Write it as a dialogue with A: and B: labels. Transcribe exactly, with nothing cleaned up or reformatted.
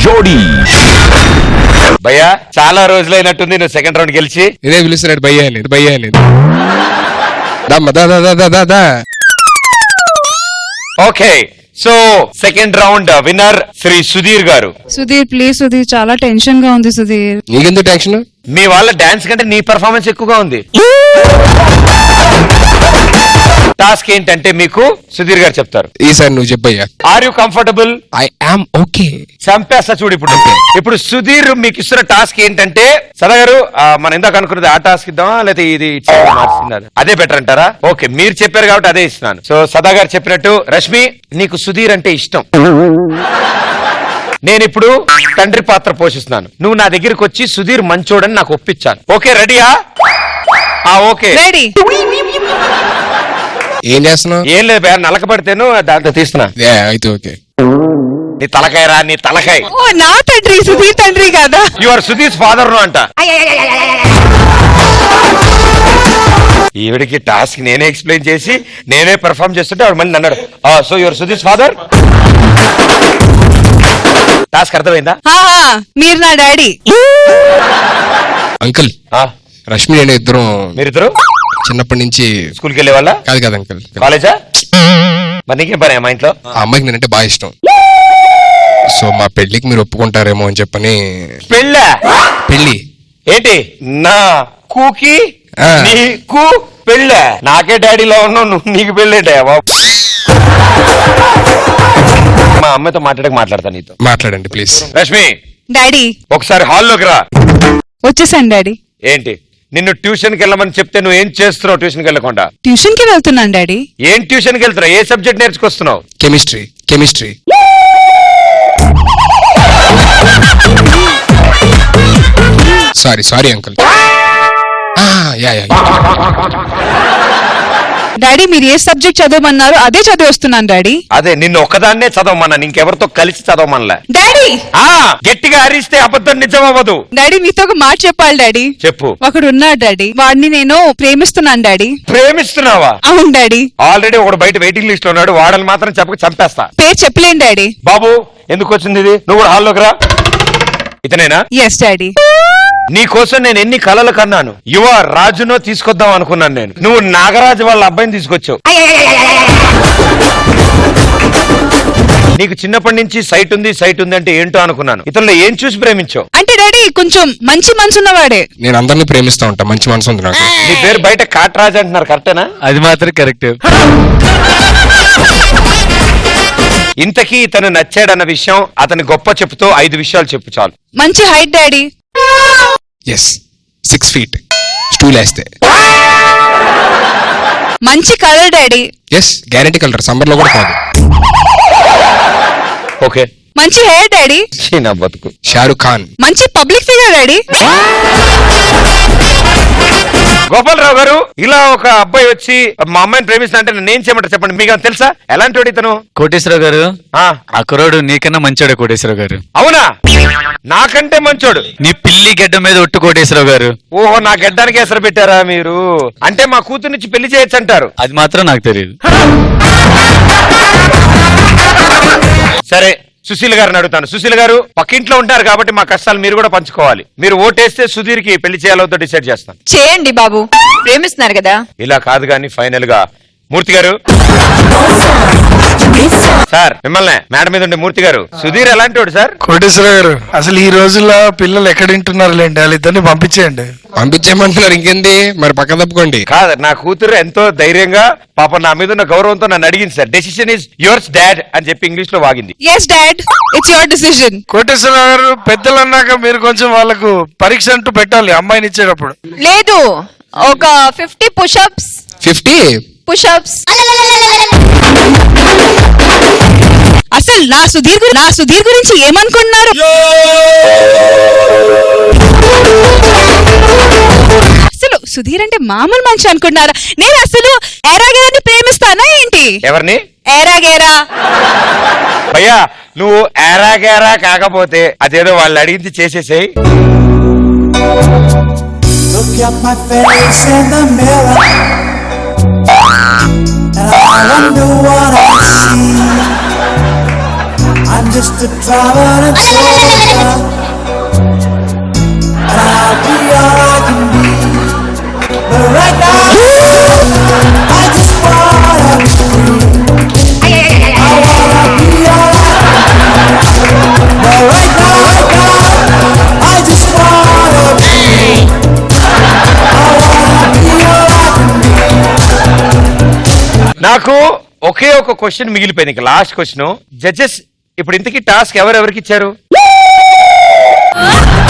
A: జోడీ. భయ్యా చాలా రోజులైనట్టుంది నువ్వు సెకండ్ రౌండ్ గెలిచి.
B: ఇదే పిలుస్తున్నాడు భయ్యా లేదు భయ్యా లేదు.
A: Okay, so second round winner Shri Sudheer garu.
C: Sudheer please Sudheer, చాలా టెన్షన్ గా ఉంది సుధీర్.
B: నీకెందుకు టెన్షన్?
A: మీ వాళ్ళ డాన్స్ కంటే నీ పర్ఫార్మెన్స్ ఎక్కువగా ఉంది. టాస్క్ ఏంటంటే మీకు సుధీర్ గారు చెప్తారు.
B: ఈసారి నువ్వు చెప్పయ్యా.
A: Are you comfortable?
B: I am okay.
A: చంపేస్తా చూడు ఇప్పుడు. ఇప్పుడు సుధీర్ మీకు ఇస్తున్న టాస్క్ ఏంటంటే, సదా గారు మనం ఇందాక అనుకున్నది ఆ టాస్క్ ఇద్దామా లేదా ఇది మార్చిందా? అదే బెటర్ అంటారా? ఓకే, మీరు చెప్పారు కాబట్టి అదే ఇస్తున్నాను. సో సదా గారు చెప్పినట్టు, రష్మి నీకు సుధీర్ అంటే ఇష్టం, నేను ఇప్పుడు తండ్రి పాత్ర పోషిస్తున్నాను. నువ్వు నా దగ్గరికి వచ్చి సుధీర్ మంచోడని నాకు ఒప్పించాను. ఓకే రెడీయా? Okay
C: ready.
B: ఏం చేస్తున్నావు?
A: ఏం లేదు, నలక పడితేను దాంట్లో తీస్తున్నా.
B: అయితే ఓకే.
A: నీ తలకాయ రా, నీ తలకాయ.
C: ఓ నా తండ్రి, సుధీర్ తండ్రి కదా.
A: యు ఆర్ సుధీర్ ఫాదర్ ను అంట. ఈవిడికి టాస్క్ నేనే ఎక్స్ప్లెయిన్ చేసి నేనే పెర్ఫార్మ్ చేస్తుంటే ఆవిడ మళ్ళీ అన్నాడు so your Sudheer father. Task అర్థమైందా?
C: మీరు నా డాడీ.
B: అంకుల్, రష్మి నేను ఇద్దరం.
A: మీరిద్దరు
B: చిన్నప్పటి నుంచి
A: స్కూల్కి వెళ్ళే వాళ్ళ?
B: కాదు కాదు అంకుల్,
A: కాలేజా? మరి నీకేం పని మా ఇంట్లో?
B: ఆ అమ్మాయికి నేనంటే బాగా ఇష్టం. సో మా పెళ్లికి మీరు ఒప్పుకుంటారేమో అని చెప్పని.
A: పెళ్ళా? పెళ్ళి ఏంటి నా కూకి నీకు పెళ్ళా? నాకే డాడీలో ఉన్నావు నువ్వు, నీకు పెళ్ళేంటా బాబు? మా అమ్మతో మాట్లాడక మాట్లాడతాను నీతో.
B: మాట్లాడండి ప్లీజ్.
A: రష్మి
C: డాడీ
A: ఒకసారి హాల్లోకి రా.
C: వచ్చేసాను డాడీ.
A: ఏంటి నిన్ను ట్యూషన్ కి వెళ్ళమని చెప్తే నువ్వు ఏం చేస్తున్నావు? ట్యూషన్ కి వెళ్ళకుండా
C: ట్యూషన్ కి వెళ్తున్నాను డాడీ.
A: ఏం ట్యూషన్ కి వెళ్తున్నావు? ఏ సబ్జెక్ట్ నేర్చుకొస్తున్నావు?
B: Chemistry. Chemistry sorry sorry uncle.
C: Daddy మీరు ఏ సబ్జెక్ట్ చదవమన్నారు అదే చదివి వస్తున్నాను డాడీ.
A: అదే నిన్ను ఒక్కదాన్నే చదవమన్నా, ఇంకెవరితో కలిసి చదవమనలే.
C: డాడీ
A: గట్టిగా అరిస్తే అబద్ధం నిజం అవ్వదు.
C: డాడీ మీతో ఒక మాట చెప్పాలి డాడీ.
A: చెప్పు.
C: ఒకడు ఉన్నాడు డాడీ, వాడిని నేను ప్రేమిస్తున్నాను డాడీ.
A: ప్రేమిస్తున్నావా?
C: అవును డాడీ.
A: ఆల్రెడీ ఒకడు బయట వెయిటింగ్ లిస్ట్ లో ఉన్నాడు, వాడని మాత్రం చెప్పక చంపేస్తా.
C: పేరు చెప్పలేను డాడీ.
A: బాబు ఎందుకు వచ్చింది ఇది? నువ్వు కూడా హాల్లోకి రా. ఇతనేనా?
C: Yes daddy.
A: నీ కోసం నేను ఎన్ని కలలు కన్నాను. యువ రాజునో తీసుకొద్దాం అనుకున్నాను నేను, నువ్వు నాగరాజు వాళ్ళ అబ్బాయిని తీసుకొచ్చావు. నీకు చిన్నప్పటి నుంచి సైట్ ఉంది సైట్ ఉంది అంటే ఏంటో అనుకున్నాను. ఇతరులు ఏం చూసి ప్రేమించావు?
C: అంటే డాడీ కొంచెం మంచి మనసు ఉన్నవాడే.
B: నేను అందరినీ ప్రేమిస్తా ఉంటా, మంచి మనసు ఉంది నాకు.
A: నీ పేరు బయట కాట్రాజ్ అంటున్నారు, కరెక్టేనా?
D: అది మాత్రం కరెక్ట్.
A: ఇంతకీ ఇతను నచ్చాడన్న విషయం అతని గొప్ప చెప్పుతో ఐదు విషయాలు చెప్పు చాలు.
C: మంచి height daddy.
B: Yes, six feet stool వేస్తే.
C: మంచి colour daddy.
B: Yes, guarantee colour, summer లో కూడా కాదు.
A: ఓకే.
C: మంచి హెయిర్ డాడీ.
A: నా బతుకు.
B: షారుఖ్ ఖాన్.
C: మంచి పబ్లిక్ ఫిగర్ డాడీ.
A: గోపాలరావు గారు, ఇలా ఒక అబ్బాయి వచ్చి మా అమ్మాయిని ప్రేమిస్తా అంటే నేను చేయమంటారు చెప్పండి, మీకు తెలుసా ఎలాంటి వాడు ఇతను?
D: కోటేశ్వరరావు గారు, ఆ కుర్రాడు నీకన్నా మంచోడు కోటేశ్వరరావు గారు.
A: అవునా? నాకంటే మంచోడు?
D: నీ పిల్లి గడ్డ మీద ఒట్టు కోటేశ్వరరావు గారు.
A: ఓహో, నా గడ్డానికి ఎసరు పెట్టారా మీరు? అంటే మా కూతురు నుంచి పెళ్లి చేయొచ్చు అంటారు.
D: అది మాత్రం నాకు తెలియదు.
A: సరే సుశీల్ గారిని అడుగుతాను. సుశీల్ గారు పక్కింట్లో ఉంటారు కాబట్టి మా కష్టాలు మీరు కూడా పంచుకోవాలి. మీరు ఓటేస్తే సుధీర్ కి పెళ్లి చేయాలో డిసైడ్ చేస్తాను.
E: చేయండి బాబు, ప్రేమిస్తున్నారు కదా.
A: ఇలా కాదు కానీ ఫైనల్ గా మూర్తి గారు. సార్ మిమ్మల్ని మేడం మీద ఉండే మూర్తి గారు, సుధీర్ ఎలాంటి వాడు సార్?
F: కోటేశ్వరరావు గారు, అసలు ఈ రోజుల్లో పిల్లలు ఎక్కడ వింటున్నారు లేండి, వాళ్ళిద్దరిని పంపించేయండి.
B: పంపించేయమంటున్నారు, ఇంకేంది మరి, పక్క తప్పుకోండి.
A: కాదు, నా కూతురు ఎంతో ధైర్యంగా పాప నా మీద ఉన్న గౌరవంతో నన్ను అడిగింది sir. Decision is yours dad అని చెప్పి ఇంగ్లీష్ లో వాగింది.
C: Yes dad, it's your decision.
F: Koteswararao garu, పెద్దలు అన్నాక మీరు కొంచెం వాళ్ళకు పరీక్ష అంటూ పెట్టాలి అమ్మాయిని ఇచ్చేటప్పుడు.
E: లేదు, ఒక ఫిఫ్టీ పుషప్స్.
B: Fifty
E: push-ups.
C: అసలు నా సుధీర్ గురి నా సుధీర్ గురించి ఏమనుకున్నారు? అసలు సుధీర్ అంటే మామూలు మనిషి అనుకున్నారా? నేను అసలు ఎరాగేరాని ప్రేమిస్తానా ఏంటి?
A: ఎవరిని?
C: ఎరాగేరా.
A: భయ్యా నువ్వు ఎరాగేరా కాకపోతే అదేదో వాళ్ళు అడిగింది చేసేసేయ్.
G: Look at my face in the mirror, and I wonder what I see. I'm just a traveling soldier, and I'll be all I can be. But right now, I just wanna be free. I wanna be all I can be. But right now, right now, I just wanna be free. I wanna be all I can be.
A: నాకు ఒకే ఒక question మిగిలిపోయింది ఇంకా last question judges ఇప్పుడు ఇంతకీ task ఎవరెవరికి ఇచ్చారు